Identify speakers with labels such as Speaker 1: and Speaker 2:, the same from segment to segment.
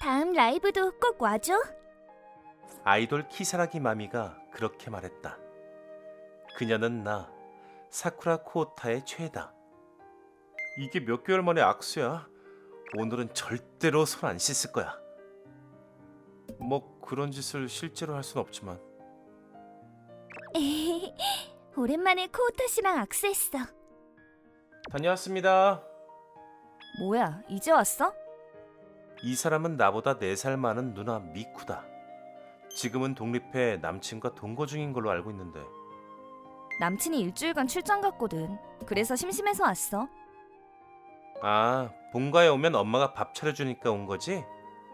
Speaker 1: 다음 라이브도 꼭 와줘.
Speaker 2: 아이돌 키사라기 마미가 그렇게 말했다. 그녀는 나 사쿠라 코우타의 최애다. 이게 몇 개월 만에 악수야. 오늘은 절대로 손 안 씻을 거야. 뭐 그런 짓을 실제로 할 순 없지만.
Speaker 1: 오랜만에 코우타 씨랑 악수했어.
Speaker 2: 다녀왔습니다.
Speaker 1: 뭐야, 이제 왔어?
Speaker 2: 이 사람은 나보다 4살 많은 누나 미쿠다. 지금은 독립해 남친과 동거 중인 걸로 알고 있는데.
Speaker 1: 남친이 일주일간 출장 갔거든. 그래서 심심해서 왔어.
Speaker 2: 아, 본가에 오면 엄마가 밥 차려주니까 온 거지?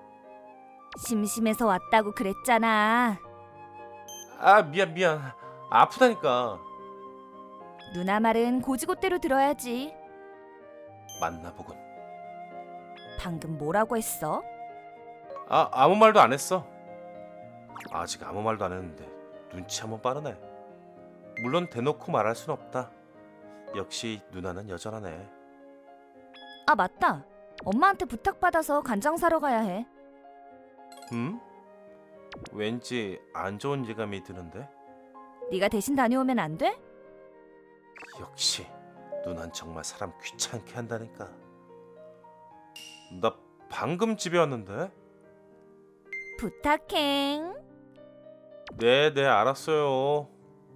Speaker 1: 심심해서 왔다고 그랬잖아.
Speaker 2: 아, 미안. 아프다니까.
Speaker 1: 누나 말은 고지고대로 들어야지.
Speaker 2: 만나보군.
Speaker 1: 방금 뭐라고 했어?
Speaker 2: 아, 아무 말도 안 했어. 아직 아무 말도 안 했는데 눈치 한번 빠르네. 물론 대놓고 말할 순 없다. 역시 누나는 여전하네.
Speaker 1: 아, 맞다. 엄마한테 부탁받아서 간장 사러 가야 해.
Speaker 2: 왠지 안 좋은 예감이 드는데?
Speaker 1: 네가 대신 다녀오면 안 돼?
Speaker 2: 역시 누난 정말 사람 귀찮게 한다니까. 나 방금 집에 왔는데?
Speaker 1: 부탁해.
Speaker 2: 네, 알았어요.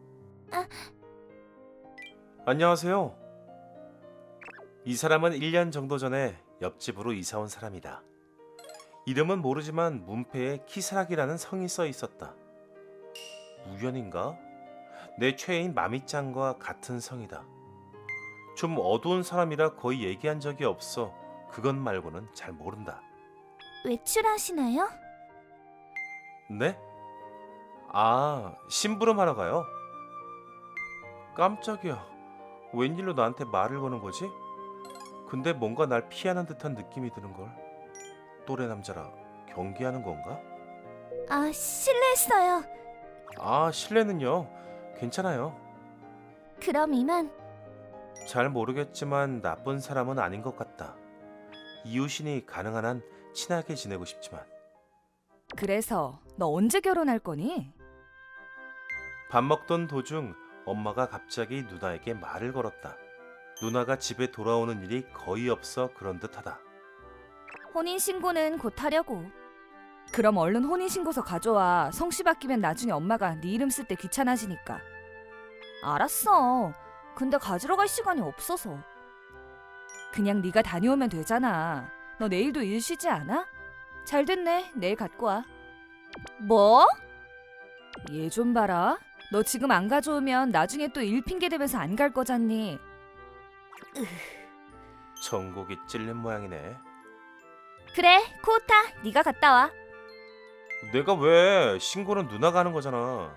Speaker 2: 안녕하세요. 이 사람은 1년 정도 전에 옆집으로 이사 온 사람이다. 이름은 모르지만 문패에 키사락이라는 성이 써 있었다. 우연인가? 내 최애인 마미짱과 같은 성이다. 좀 어두운 사람이라 거의 얘기한 적이 없어. 그것 말고는 잘 모른다.
Speaker 1: 외출하시나요?
Speaker 2: 네? 아, 심부름하러 가요? 깜짝이야. 웬일로 나한테 말을 거는 거지? 근데 뭔가 날 피하는 듯한 느낌이 드는걸. 또래 남자라 경계하는 건가?
Speaker 1: 아, 실례했어요.
Speaker 2: 아, 실례는요. 괜찮아요.
Speaker 1: 그럼 이만.
Speaker 2: 잘 모르겠지만 나쁜 사람은 아닌 것 같다. 이웃이니 가능한 한 친하게 지내고 싶지만.
Speaker 1: 그래서 너 언제 결혼할 거니?
Speaker 2: 밥 먹던 도중 엄마가 갑자기 누나에게 말을 걸었다. 누나가 집에 돌아오는 일이 거의 없어 그런 듯하다.
Speaker 1: 혼인신고는 곧 하려고. 그럼 얼른 혼인신고서 가져와. 성씨 바뀌면 나중에 엄마가 네 이름 쓸 때 귀찮아지니까. 알았어. 근데 가지러 갈 시간이 없어서. 그냥 네가 다녀오면 되잖아. 너 내일도 일 쉬지 않아? 잘 됐네. 내일 갖고 와. 뭐? 얘 좀 봐라. 너 지금 안 가져오면 나중에 또 일 핑계 대면서 안 갈 거잖니.
Speaker 2: 전곡이 찔린 모양이네.
Speaker 1: 그래, 코우타, 네가 갔다 와.
Speaker 2: 내가 왜? 신고는 누나가 하는 거잖아.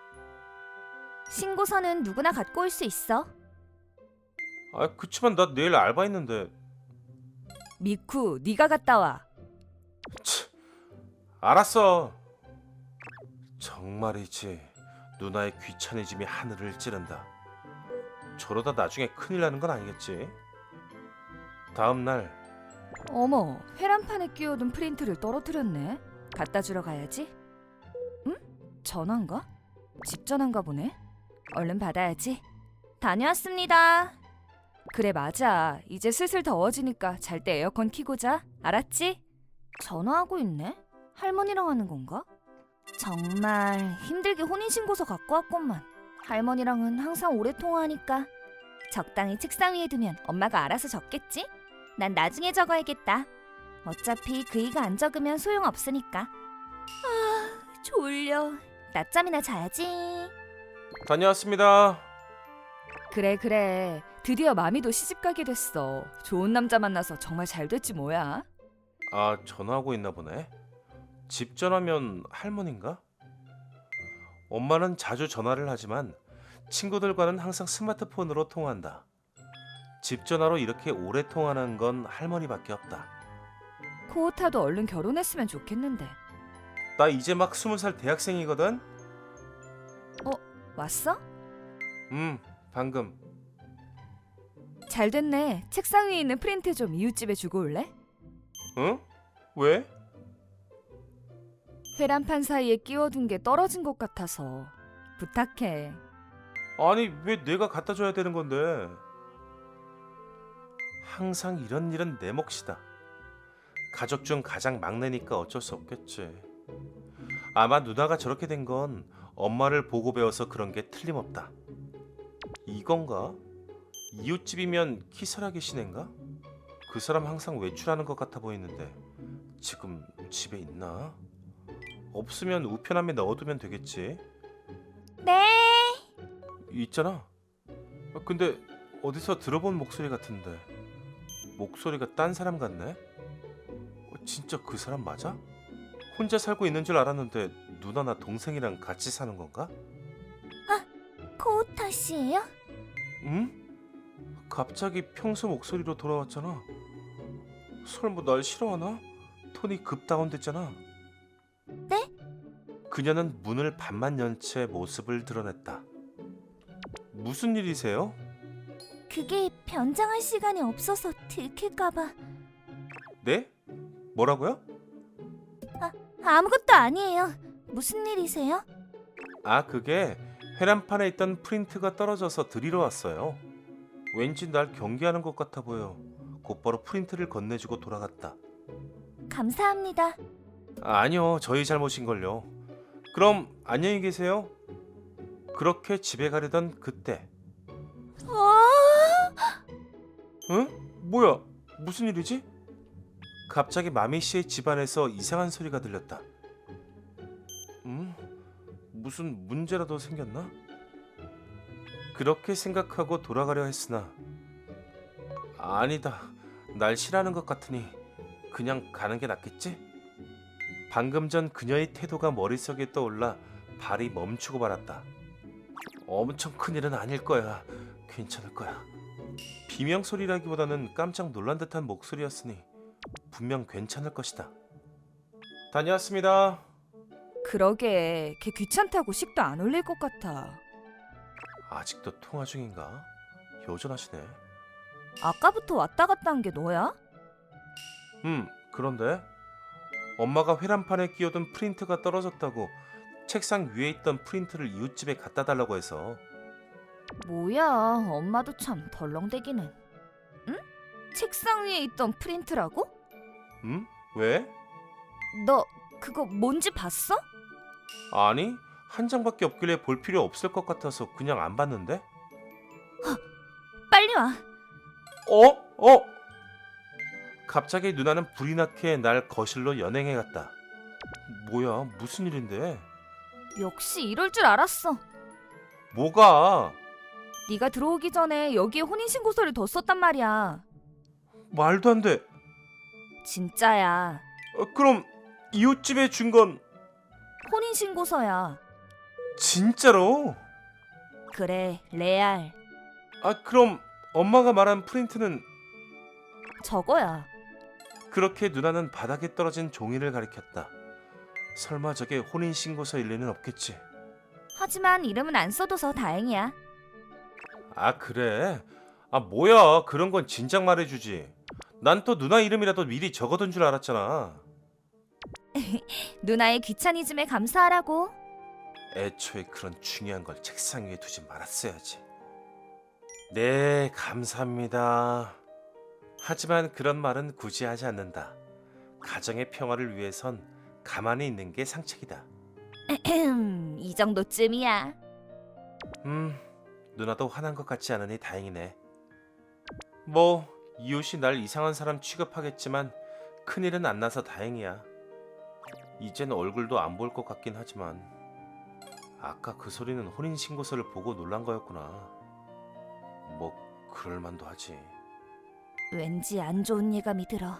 Speaker 1: 신고서는 누구나 갖고 올 수 있어.
Speaker 2: 아, 그치만 나 내일 알바 있는데.
Speaker 1: 미쿠, 네가 갔다 와.
Speaker 2: 치, 알았어. 정말이지. 누나의 귀차니즘이 하늘을 찌른다. 저러다 나중에 큰일 나는 건 아니겠지? 다음 날.
Speaker 1: 어머, 회란판에 끼워둔 프린트를 떨어뜨렸네. 갖다 주러 가야지. 응? 전화인가? 집 전화인가 보네. 얼른 받아야지. 다녀왔습니다. 그래, 맞아. 이제 슬슬 더워지니까 잘 때 에어컨 켜고 자. 알았지? 전화하고 있네? 할머니랑 하는 건가? 정말 힘들게 혼인신고서 갖고 왔건만. 할머니랑은 항상 오래 통화하니까 적당히 책상 위에 두면 엄마가 알아서 적겠지? 난 나중에 적어야겠다. 어차피 그이가 안 적으면 소용없으니까. 아, 졸려. 낮잠이나 자야지.
Speaker 2: 다녀왔습니다.
Speaker 1: 그래. 드디어 마미도 시집가게 됐어. 좋은 남자 만나서 정말 잘 됐지 뭐야.
Speaker 2: 아, 전화하고 있나 보네. 집 전화면 할머니인가? 엄마는 자주 전화를 하지만 친구들과는 항상 스마트폰으로 통화한다. 집 전화로 이렇게 오래 통화하는 건 할머니밖에 없다.
Speaker 1: 코우타도 얼른 결혼했으면 좋겠는데.
Speaker 2: 나 이제 막 20살 대학생이거든?
Speaker 1: 왔어?
Speaker 2: 방금.
Speaker 1: 잘 됐네. 책상 위에 있는 프린트 좀 이웃집에 주고 올래?
Speaker 2: 응? 왜?
Speaker 1: 회란판 사이에 끼워둔 게 떨어진 것 같아서 부탁해.
Speaker 2: 아니 왜 내가 갖다 줘야 되는 건데? 항상 이런 일은 내 몫이다. 가족 중 가장 막내니까 어쩔 수 없겠지. 아마 누나가 저렇게 된 건 엄마를 보고 배워서 그런 게 틀림없다. 이건가? 이웃집이면 키사라기 시네인가? 그 사람 항상 외출하는 것 같아 보이는데 지금 집에 있나? 없으면 우편함에 넣어두면 되겠지.
Speaker 1: 네.
Speaker 2: 있잖아. 근데 어디서 들어본 목소리 같은데 목소리가 딴 사람 같네? 진짜 그 사람 맞아? 혼자 살고 있는 줄 알았는데 누나나 동생이랑 같이 사는 건가?
Speaker 3: 코우타 씨예요?
Speaker 2: 응? 갑자기 평소 목소리로 돌아왔잖아. 설마 날 싫어하나? 톤이 급 다운됐잖아.
Speaker 3: 네?
Speaker 2: 그녀는 문을 반만 연 채 모습을 드러냈다. 무슨 일이세요?
Speaker 3: 그게 변장할 시간이 없어서 들킬까봐.
Speaker 2: 네? 뭐라고요?
Speaker 3: 아무것도 아니에요. 무슨 일이세요?
Speaker 2: 아, 그게 회란판에 있던 프린트가 떨어져서 드리러 왔어요. 왠지 날 경계하는 것 같아 보여. 곧바로 프린트를 건네주고 돌아갔다.
Speaker 3: 감사합니다.
Speaker 2: 아니요, 저희 잘못인걸요. 그럼 안녕히 계세요. 그렇게 집에 가려던 그때. 응? 뭐야? 무슨 일이지? 갑자기 마미 씨의 집안에서 이상한 소리가 들렸다. 무슨 문제라도 생겼나? 그렇게 생각하고 돌아가려 했으나 아니다. 날 싫어하는 것 같으니 그냥 가는 게 낫겠지? 방금 전 그녀의 태도가 머릿속에 떠올라 발이 멈추고 말았다. 엄청 큰일은 아닐 거야. 괜찮을 거야. 비명소리라기보다는 깜짝 놀란 듯한 목소리였으니 분명 괜찮을 것이다. 다녀왔습니다.
Speaker 1: 그러게 걔 귀찮다고 식도 안 올릴 것 같아.
Speaker 2: 아직도 통화 중인가? 여전하시네.
Speaker 1: 아까부터 왔다 갔다 한 게 너야?
Speaker 2: 그런데 엄마가 회란판에 끼워둔 프린트가 떨어졌다고 책상 위에 있던 프린트를 이웃집에 갖다 달라고 해서.
Speaker 1: 뭐야, 엄마도 참 덜렁대기는. 응? 책상 위에 있던 프린트라고?
Speaker 2: 왜?
Speaker 1: 너 그거 뭔지 봤어?
Speaker 2: 아니, 한 장밖에 없길래 볼 필요 없을 것 같아서 그냥 안 봤는데?
Speaker 1: 빨리 와.
Speaker 2: 어? 갑자기 누나는 불이 나게 날 거실로 연행해 갔다. 뭐야, 무슨 일인데?
Speaker 1: 역시 이럴 줄 알았어.
Speaker 2: 뭐가?
Speaker 1: 네가 들어오기 전에 여기에 혼인신고서를 뒀었단 말이야.
Speaker 2: 말도 안 돼.
Speaker 1: 진짜야.
Speaker 2: 그럼 이웃집에 준 건
Speaker 1: 혼인신고서야.
Speaker 2: 진짜로?
Speaker 1: 그래, 레알.
Speaker 2: 그럼 엄마가 말한 프린트는?
Speaker 1: 저거야.
Speaker 2: 그렇게 누나는 바닥에 떨어진 종이를 가리켰다. 설마 저게 혼인신고서일 리는 없겠지.
Speaker 1: 하지만 이름은 안 써둬서 다행이야.
Speaker 2: 그래? 뭐야, 그런 건 진작 말해주지. 난 또 누나 이름이라도 미리 적어둔 줄 알았잖아.
Speaker 1: 누나의 귀차니즘에 감사하라고.
Speaker 2: 애초에 그런 중요한 걸 책상 위에 두지 말았어야지. 네, 감사합니다. 하지만 그런 말은 굳이 하지 않는다. 가정의 평화를 위해선 가만히 있는 게 상책이다.
Speaker 1: 이 정도쯤이야.
Speaker 2: 누나도 화난 것 같지 않으니 다행이네. 뭐 이웃이 날 이상한 사람 취급하겠지만 큰일은 안 나서 다행이야. 이젠 얼굴도 안 볼 것 같긴 하지만 아까 그 소리는 혼인신고서를 보고 놀란 거였구나. 뭐 그럴만도 하지.
Speaker 1: 왠지 안 좋은 예감이 들어.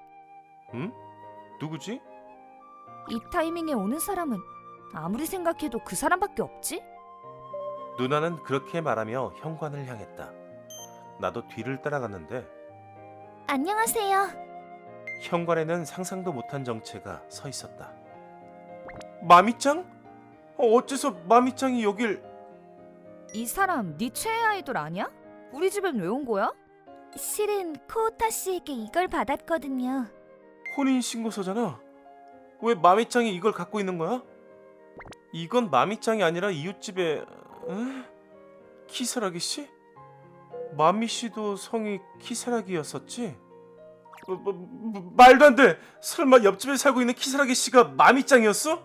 Speaker 2: 누구지?
Speaker 1: 이 타이밍에 오는 사람은 아무리 생각해도 그 사람밖에 없지?
Speaker 2: 누나는 그렇게 말하며 현관을 향했다. 나도 뒤를 따라갔는데
Speaker 3: 안녕하세요.
Speaker 2: 현관에는 상상도 못한 정체가 서 있었다. 마미짱? 어째서 마미짱이 여길...
Speaker 1: 이 사람 네 최애 아이돌 아니야? 우리 집엔 왜 온 거야?
Speaker 3: 실은 코우타 씨에게 이걸 받았거든요.
Speaker 2: 혼인신고서잖아. 왜 마미짱이 이걸 갖고 있는 거야? 이건 마미짱이 아니라 이웃집의 키사라기 씨? 마미 씨도 성이 키사라기였었지? 말도 안 돼! 설마 옆집에 살고 있는 키사라기 씨가 마미짱이었어?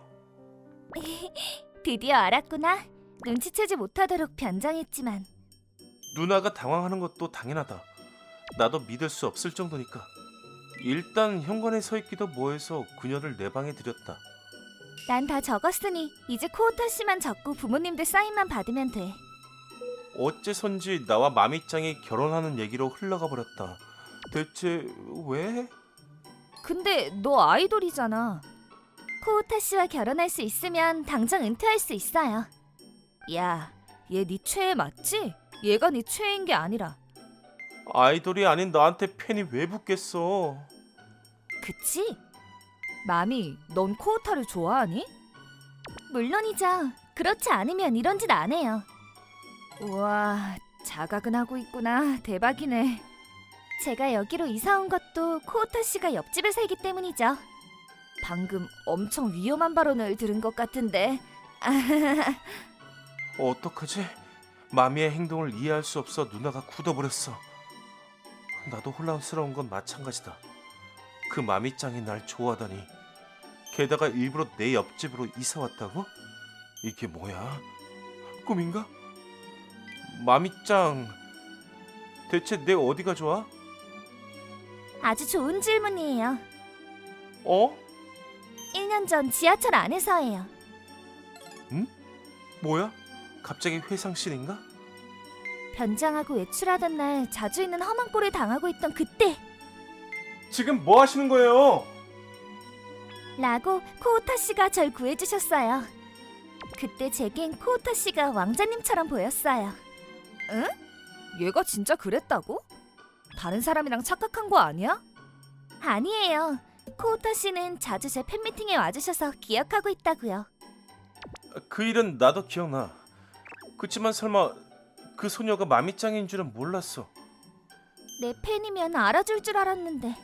Speaker 3: 드디어 알았구나. 눈치채지 못하도록 변장했지만.
Speaker 2: 누나가 당황하는 것도 당연하다. 나도 믿을 수 없을 정도니까. 일단 현관에 서 있기도 뭐해서 그녀를 내 방에 들였다.
Speaker 3: 난 다 적었으니 이제 코우타 씨만 적고 부모님들 사인만 받으면 돼.
Speaker 2: 어째선지 나와 마미짱이 결혼하는 얘기로 흘러가 버렸다. 대체 왜?
Speaker 1: 근데 너 아이돌이잖아.
Speaker 3: 코우타 씨와 결혼할 수 있으면 당장 은퇴할 수 있어요.
Speaker 1: 야, 얘 네 최애 맞지? 얘가 네 최애인 게 아니라.
Speaker 2: 아이돌이 아닌 나한테 팬이 왜 붙겠어?
Speaker 1: 그치? 마미, 넌 코우타를 좋아하니?
Speaker 3: 물론이죠. 그렇지 않으면 이런 짓 안 해요.
Speaker 1: 우와, 자각은 하고 있구나. 대박이네.
Speaker 3: 제가 여기로 이사 온 것도 코우타 씨가 옆집에 살기 때문이죠.
Speaker 1: 방금 엄청 위험한 발언을 들은 것 같은데.
Speaker 2: 어떡하지? 마미의 행동을 이해할 수 없어 누나가 굳어버렸어. 나도 혼란스러운 건 마찬가지다. 그 마미짱이 날 좋아하다니. 게다가 일부러 내 옆집으로 이사 왔다고? 이게 뭐야? 꿈인가? 마미짱, 대체 내 어디가 좋아?
Speaker 3: 아주 좋은 질문이에요.
Speaker 2: 어?
Speaker 3: 1년 전 지하철 안에서예요.
Speaker 2: 뭐야? 갑자기 회상실인가?
Speaker 3: 변장하고 외출하던 날 자주 있는 험한 꼴을 당하고 있던 그때
Speaker 2: 지금 뭐 하시는 거예요?
Speaker 3: 라고 코우타 씨가 절 구해주셨어요. 그때 제겐 코우타 씨가 왕자님처럼 보였어요.
Speaker 1: 얘가 진짜 그랬다고? 다른 사람이랑 착각한 거 아니야?
Speaker 3: 아니에요. 코우타 씨는 자주 제 팬미팅에 와주셔서 기억하고 있다고요.
Speaker 2: 그 일은 나도 기억나. 그치만 설마 그 소녀가 마미짱인 줄은 몰랐어.
Speaker 3: 내 팬이면 알아줄 줄 알았는데.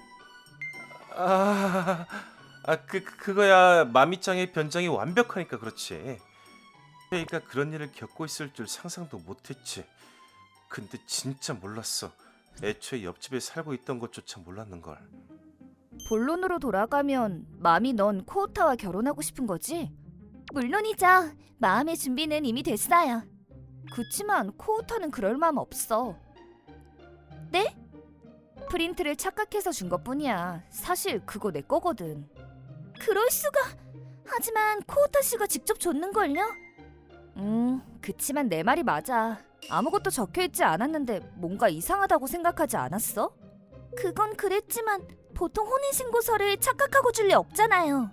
Speaker 2: 그거야 마미짱의 변장이 완벽하니까 그렇지. 그러니까 그런 일을 겪고 있을 줄 상상도 못했지. 근데 진짜 몰랐어. 애초에 옆집에 살고 있던 것조차 몰랐는걸.
Speaker 1: 본론으로 돌아가면 마미 넌 코우타와 결혼하고 싶은 거지?
Speaker 3: 물론이죠. 마음의 준비는 이미 됐어요.
Speaker 1: 그치만 코우타는 그럴 마음 없어.
Speaker 3: 네?
Speaker 1: 프린트를 착각해서 준 것뿐이야. 사실 그거 내 거거든.
Speaker 3: 그럴 수가. 하지만 코우타 씨가 직접 줬는걸요?
Speaker 1: 그치만 내 말이 맞아. 아무것도 적혀있지 않았는데 뭔가 이상하다고 생각하지 않았어?
Speaker 3: 그건 그랬지만 보통 혼인신고서를 착각하고 줄 리 없잖아요.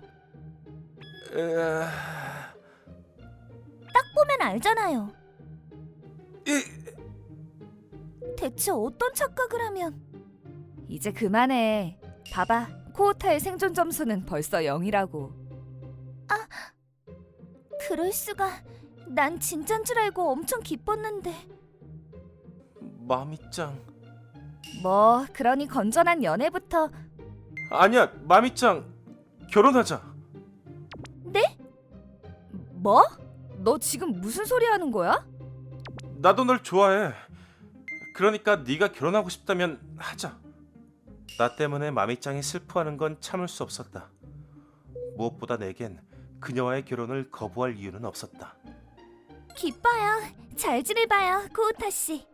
Speaker 3: 딱 보면 알잖아요. 대체 어떤 착각을 하면.
Speaker 1: 이제 그만해. 봐봐. 코우타의 생존 점수는 벌써 0이라고.
Speaker 3: 그럴 수가. 난 진짠 줄 알고 엄청 기뻤는데.
Speaker 2: 마미짱.
Speaker 1: 뭐 그러니 건전한 연애부터.
Speaker 2: 아니야, 마미짱. 결혼하자.
Speaker 3: 네?
Speaker 1: 뭐? 너 지금 무슨 소리 하는 거야?
Speaker 2: 나도 널 좋아해. 그러니까 네가 결혼하고 싶다면 하자. 나 때문에 마미짱이 슬퍼하는 건 참을 수 없었다. 무엇보다 내겐 그녀와의 결혼을 거부할 이유는 없었다.
Speaker 3: 기뻐요. 잘 지내봐요, 코우타 씨.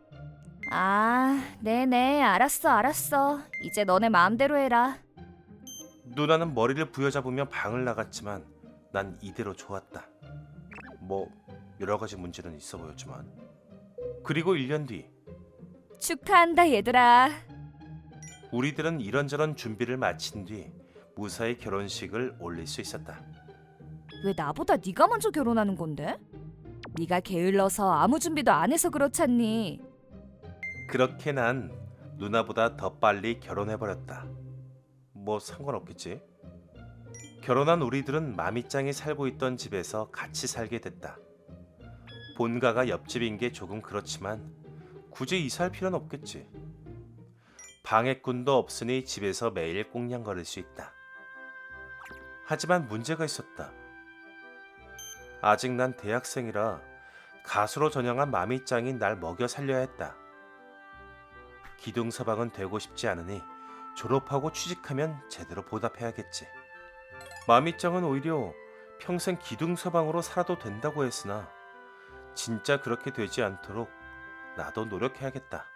Speaker 1: 네네. 알았어. 이제 너네 마음대로 해라.
Speaker 2: 누나는 머리를 부여잡으며 방을 나갔지만 난 이대로 좋았다. 뭐 여러 가지 문제는 있어 보였지만. 그리고 1년 뒤
Speaker 1: 축하한다 얘들아.
Speaker 2: 우리들은 이런저런 준비를 마친 뒤 무사히 결혼식을 올릴 수 있었다.
Speaker 1: 왜 나보다 네가 먼저 결혼하는 건데? 네가 게을러서 아무 준비도 안 해서 그렇잖니.
Speaker 2: 그렇게 난 누나보다 더 빨리 결혼해버렸다. 뭐 상관없겠지. 결혼한 우리들은 마미짱이 살고 있던 집에서 같이 살게 됐다. 본가가 옆집인 게 조금 그렇지만 굳이 이사할 필요는 없겠지. 방해꾼도 없으니 집에서 매일 꽁냥거릴 수 있다. 하지만 문제가 있었다. 아직 난 대학생이라 가수로 전향한 마미짱이 날 먹여 살려야 했다. 기둥서방은 되고 싶지 않으니 졸업하고 취직하면 제대로 보답해야겠지. 마미짱은 오히려 평생 기둥서방으로 살아도 된다고 했으나 진짜 그렇게 되지 않도록 나도 노력해야겠다.